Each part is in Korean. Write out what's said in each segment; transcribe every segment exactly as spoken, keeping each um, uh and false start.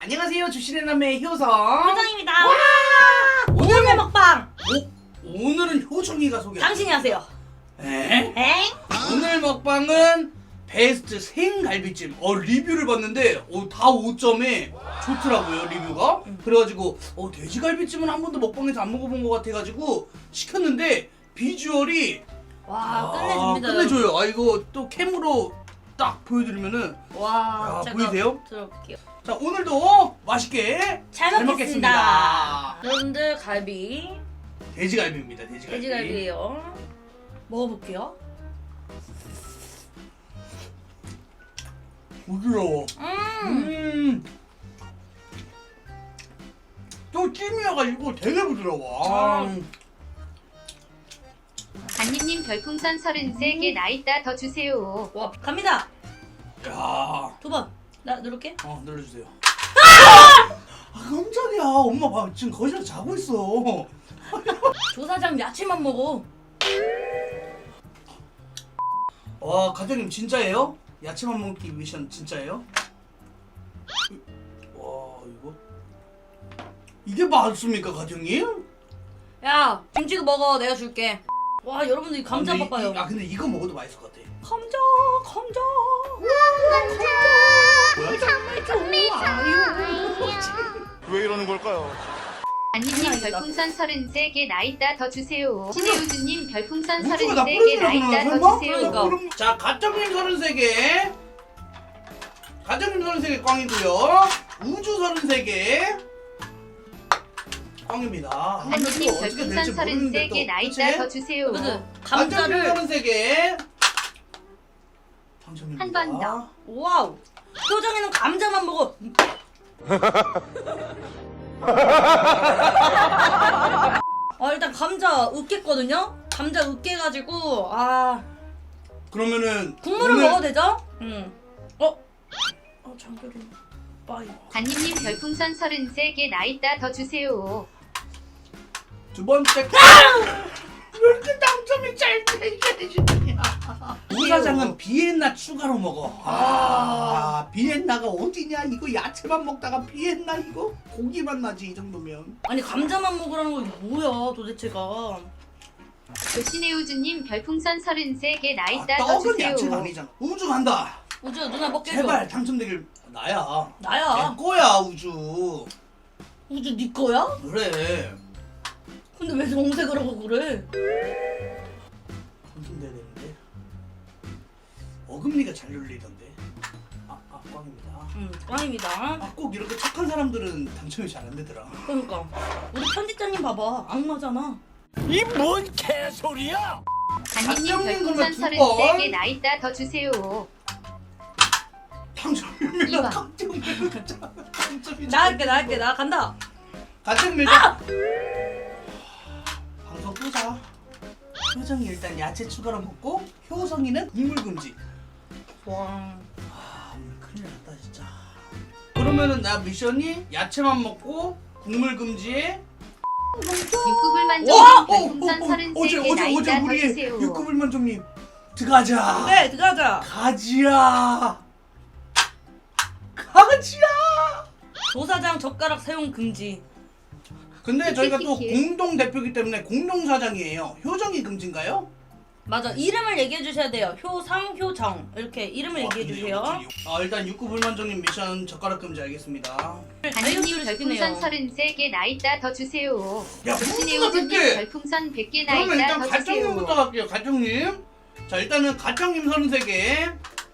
안녕하세요, 주신의 남매 효성 효정입니다. 오늘의 먹방. 오, 오늘은 효정이가 소개. 당신이 하세요. 에? 엥? 오늘 먹방은 베스트 생갈비찜. 어 리뷰를 봤는데 어, 다 오 점에 좋더라고요 리뷰가. 음. 그래가지고 어 돼지갈비찜은 한 번도 먹방에서 안 먹어본 것 같아가지고 시켰는데 비주얼이 와 아, 끝내줍니다. 끝내줘요. 아 이거 또 캠으로 딱 보여드리면은 와 야, 제가 보이세요? 들어볼게요. 자 오늘도 맛있게 잘, 잘 먹겠습니다. 먹겠습니다. 여러분들 갈비, 돼지갈비입니다. 돼지갈비. 돼지갈비예요. 먹어볼게요. 부드러워. 음. 음. 또 찜이어가지고 되게 부드러워. 아. 음. 안님님 별풍선 서른세 개 나 있다 더 주세요. 와 갑니다. 야. 두 번. 나 누를게. 어 눌러주세요. 아 깜짝이야. 엄마 봐 지금 거실에서 자고 있어. 조사장 야채만 먹어. 와 가정님 진짜예요? 야채만 먹기 미션 진짜예요? 와 이거 이게 맞습니까 가정님? 야 김치도 먹어. 내가 줄게. 와 여러분들 이 감자 아, 근데 이- 봐봐요. 이- 아 근데 이거 먹어도 맛있을 것 같아. 감자 감자. 뭐야? 왜 이러는 걸까요? 안님님 별풍선 서른세 개 나 있다 더 주세요. 신혜우주님 별풍선 우주가 나 서른세 개 나 뿌려주려고 있다 설마? 더 주세요. 그러니까. 그럼- 자 가정님 서른세 개 가정님 서른세 개 꽝이고요. 우주 서른세 개 꽝입니다. 아, 안님님 이거 어떻게 별풍선 될지 모르는데 서른세 또, 개 나 그치? 있다 더 주세요. 그래서 가정님 감자를 서른세 개 당첨입니다. 한 번 더. 와우. 효정이는 감자만 먹어. 아 일단 감자 으깼거든요. 감자 으깨가지고 아 그러면은 국물을 오늘- 먹어도 되죠? 응. 어? 어 장결이 빠이. 안님님 별풍선 서른세 개 나 있다 더 주세요. 두 번째 왜 이렇게 당첨이 잘 되냐? 우사장은 비엔나 추가로 먹어. 아, 비엔나가 어디냐? 이거 야채만 먹다가 비엔나 이거 고기만 나지 이 정도면. 아니 감자만 먹으라는 거 이게 뭐야 도대체가. 조신혜우주님 별풍선 서른세 개 나 아, 있다 더 떡은 주세요. 야채가 아니잖아. 우주 간다. 우주 누나 먹게 해줘. 제발 당첨되길. 나야. 나야. 내 거야 우주. 우주 네 거야? 그래. 근데 왜 정색을 하고 그래? 당첨돼야 되는데. 어금니가 잘 눌리던데. 아, 아 꽝입니다. 응 꽝입니다. 아, 꼭 이렇게 착한 사람들은 당첨이 잘 안 되더라. 그러니까 우리 편집자님 봐봐 악마잖아. 이 뭔 개소리야! 안님님 가정님 별풍선 그러면 두 서른세 번. 개 나 있다 더 주세요. 당첨입니다. 이 번. 당첨입니다. 당첨이 나 할게 나 할게 나 간다. 가정입니다. 방송 끄자. 효정이 일단 야채 추가로 먹고 효성이는 국물 금지. 와. 아 오늘 큰일 났다 진짜. 그러면은 나 미션이 야채만 먹고 국물 금지에. 육구불만 와! 좀 별풍선 서른세 개 나 어제 어제 있다 더 우리 주세요. 육구불만점님 들어가자. 네 들어가자. 가지야. 가지야. 조사장 젓가락 사용 금지. 근데 저희가 또 키키키. 공동 대표기 때문에 공동 사장이에요. 효정이 금지인가요? 맞아 이름을 얘기해 주셔야 돼요. 효상 효정 이렇게 이름을 얘기해 와, 주세요. 근데 이거 아 일단 육구불만정님 미션 젓가락 금지 알겠습니다. 안님님 별풍선 서른세 개 나 있다 더 주세요. 야 무수가 조신혜우주님 백 개. 별풍선 백 개 나 그러면 있다 일단 더 가정님부터 주세요. 갈게요. 가정님. 자 일단은 가정님 서른세 개.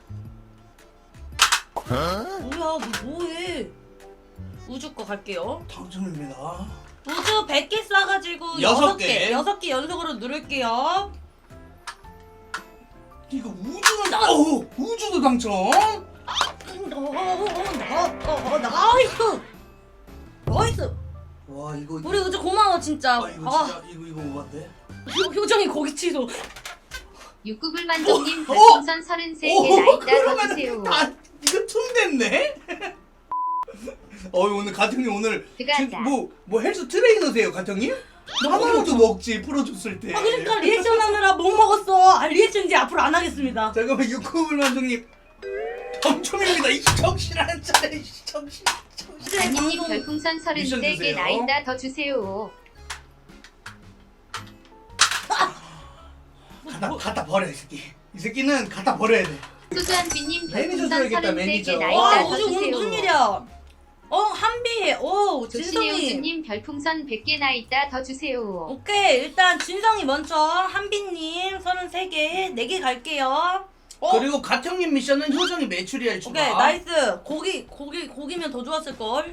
뭐야 너 뭐해? 우주 거 갈게요. 당첨입니다. 우주 백 개 쏴가지고 여섯 여섯 개. 개 여섯 개 연속으로 누를게요. 이거 우주는 어 우주도 당첨. 어, 나이스 나이스. 와 이거 우리 우주 고마워 진짜. 아 이거 아, 진짜 이거 이거 오반데. 효, 효정이 거기 취소. 육구불만정님 어? 별풍선 서른세 개 나 있다 더 그러면 주세요. 다 이거 틈 됐네. 어 오늘 가정님 오늘 들어가자. 뭐뭐 헬스 트레이너세요 가정님? 하나라도 먹지 풀어줬을 때. 아 그러니까 리액션 하느라 못 먹었어. 아 리액션 이제 앞으로 안 하겠습니다. 잠깐만 육구불만정님 당첨입니다. 이 정신 안 차려 이 정신 정신. 안님님 방송 별풍선 미션 서른세 개 주세요. 나있다 더 주세요. 갖다, 갖다 버려 이 새끼. 이 새끼는 갖다 버려야 돼. 소주한비님 매니저 별풍선 줘야겠다, 서른세 개 매니저. 나있다 와 더 우주 오늘 무슨 주세요. 일이야? 어 한비. 오 진성이. 조신혜우주님 별풍선 백 개 나있다 더 주세요. 오케이 일단 진성이 먼저 한비님 서른세 개 네 개 갈게요. 어? 그리고 가평님 미션은 효정이 메추리알 추가. 오케이 나이스. 고기 고기 고기면 더 좋았을 걸.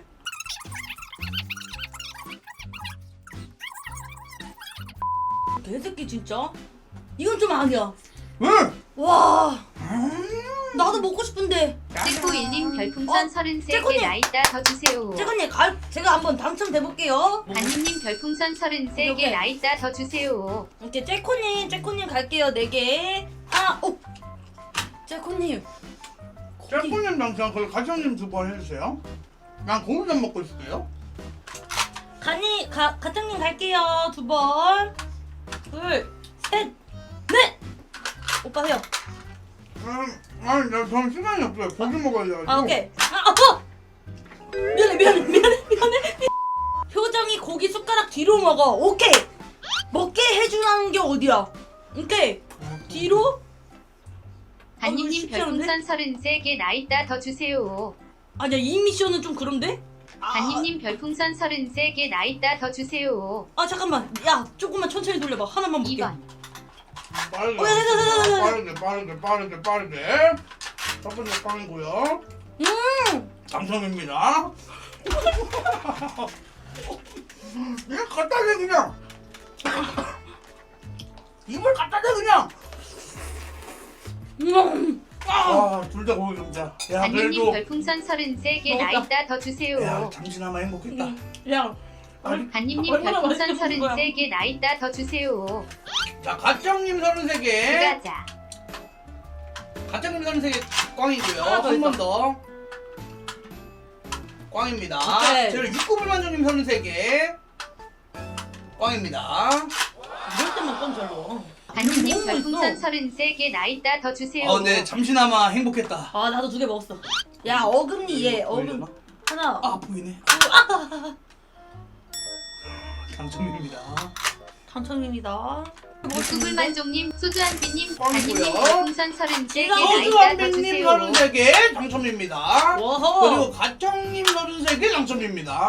개새끼 진짜. 이건 좀 아니야. 응. 와. 나도 먹고 싶은데. 찌꾸일님 별풍선 어? 서른세 개 찌꾸님. 나있다 더 주세요. 재건님 갈 제가 한번 당첨돼 볼게요. 안님님 별풍선 서른세 개 오케이. 나있다 더 주세요. 오케이 째코님 째코님 갈게요 네 개. 아 오. 째코님. 고기. 짤꾸님 당첨 그리고 가평님 두 번 해주세요. 난 고기 좀 먹고 있을게요. 가니 가 가장님 갈게요 두 번. 둘, 셋, 넷. 오빠 해요. 음, 아니 나 저는 시간이 없어요. 고기 먹어야 돼가지고. 아 오케이. 아 아파. 미안해 미안해 미안해 미안해. 표정이 고기 숟가락 뒤로 먹어. 오케이. 먹게 해주라는 게 어디야? 오케이. 뒤로. 안님님 쉽지 않은데? 별풍선 서른세 개 나있다 더 주세요. 아니야 이 미션은 좀 그런데? 아, 안님님 별풍선 서른세 개 나있다 더 주세요. 아 잠깐만. 야 조금만 천천히 돌려봐. 하나만 볼게. 이 번 빠르게, 어, 야, 야, 야, 야, 야, 야. 빠르게, 빠르게, 빠르게, 빠르게. 첫 번째 빵이고요. 음. 당첨입니다. 이거 갖다 대 그냥. 이걸 갖다 대 그냥. 음. 아, 둘 다 고기 감자. 야, 안님님 그래도 별풍선 서른세 개 먹었다. 나있다 더 주세요. 야, 잠시나마 행복했다. 야. 아니, 안님님 얼마나 별풍선 맛있게 먹은 거야? 서른세 개 나있다 더 주세요. 자, 가짱님 서른세 개. 들어가자. 가짱님 서른세 개 꽝이고요. 하나 더 한 있어. 번 더. 꽝입니다. 오케이. 제가 육구불만족님 서른세 개. 꽝입니다. 이럴 때만 껌 절로. 안님님 너무 별풍선 맛있어. 서른세 개 나있다 더 주세요. 아, 네, 잠시나마 행복했다. 아 나도 두 개 먹었어. 야 어금니 얘 어금 보이려나? 하나. 아, 보이네. 당첨입니다. 당첨입니다. 구글만종님, 소주한비님, 꽝이고요. 안님님 별풍선 서른세 개 제가 나있다 더 호주한빈님 주세요. 서른세 개 당첨입니다. 워허. 그리고 가청님 서른세 개 당첨입니다.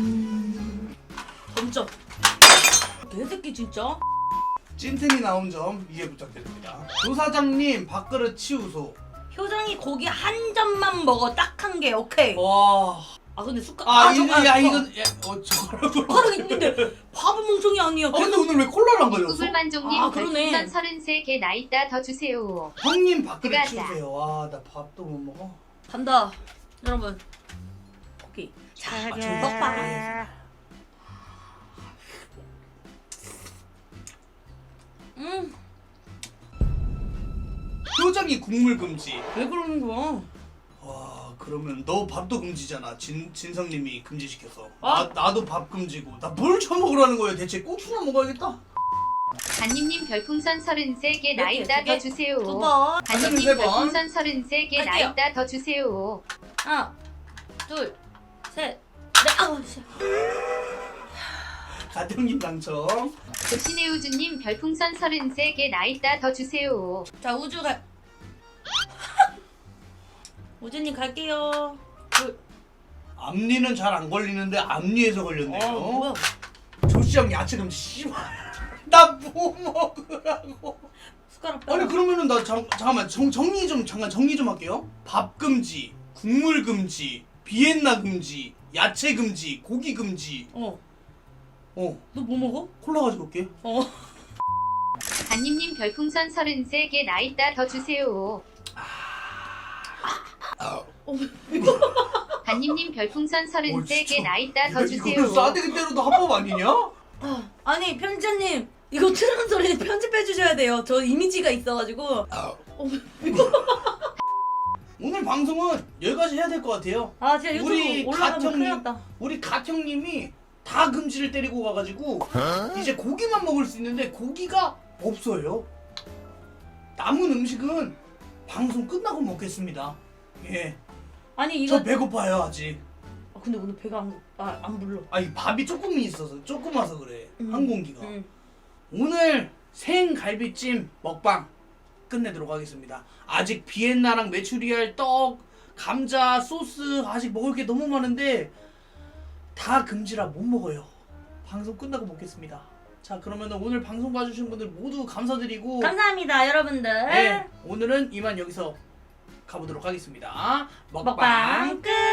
점점. 개새끼 진짜. 찐텐이 나온 점 이해 부탁드립니다. 조사장님 밥그릇 치우소. 효정이 고기 한 점만 먹어 딱 한 개. 오케이. 와. 아 근데 숟가. 아, 저- 이거 아, 야 저- 이건 야, 어 저거라고. 숟가락 있는데 밥은 멍청이 아니야. 아 근데 오늘 왜 콜라를 안 가져왔어? 구글만종님 아, 그러네. 별풍선 서른세 개 나있다 더 주세요. 형님 밥그릇 들어가자. 치우세요. 와, 나 밥도 못 먹어. 간다. 여러분. 고기. 자, 먹방. 음. 표정이 국물 금지. 왜 그러는 거야? 와, 그러면 너 밥도 금지잖아. 진 진성님이 금지시켜서. 아. 나 나도 밥 금지고. 나 뭘 처먹으라는 거예요? 대체 고추나 먹어야겠다. 안님님 별풍선 서른세 개 몇 개, 나있다 두 개? 더 주세요. 두 번. 안님님 세 번. 별풍선 서른세 개 할게요. 나있다 더 주세요. 하나, 둘, 셋, 넷. 아우 씨. 가정님 당첨. 조신혜우주님 별풍선 서른세 개 나있다 더 주세요. 자 우주 갈. 우주님 갈게요. 둘. 앞니는 잘 안 걸리는데 앞니에서 걸렸네요. 어 뭐야? 조시형 야채 금지. 씨발. 나 뭐 먹으라고. 숟가락 빼라. 아니 그러면은 나 잠, 잠깐만 정, 정리 좀 잠깐 정리 좀 할게요. 밥 금지, 국물 금지, 비엔나 금지, 야채 금지, 고기 금지. 어. 어, 너 뭐 먹어? 콜라 가지고 올게. 어. 안님님 별풍선 서른세 개 나있다 더 주세요. 안님님 별풍선 서른세 개 나있다 더 주세요. 이거는 싸대기 때려도 합법 아니냐? 아, 아니 편집자님 이거 트는 소리 편집해 주셔야 돼요. 저 이미지가 있어가지고. 어. 오늘 방송은 여기까지 해야 될 것 같아요. 아 진짜 유튜브 우리 올라가면 큰일 가평님, 났다. 우리 가평님이 다 금지를 때리고 가가지고 이제 고기만 먹을 수 있는데 고기가 없어요. 남은 음식은 방송 끝나고 먹겠습니다. 예, 아니 이거 저 배고파요 아직. 아 근데 오늘 배가 안, 아, 안 불러. 아니 밥이 조금 있어서 조금 와서 그래. 음. 한 공기가. 응. 오늘 생갈비찜 먹방 끝내도록 하겠습니다. 아직 비엔나랑 메추리알, 떡, 감자, 소스 아직 먹을 게 너무 많은데 다 금지라 못 먹어요. 방송 끝나고 먹겠습니다. 자 그러면 오늘 방송 봐주신 분들 모두 감사드리고 감사합니다 여러분들. 네, 오늘은 이만 여기서 가보도록 하겠습니다. 먹방, 먹방 끝.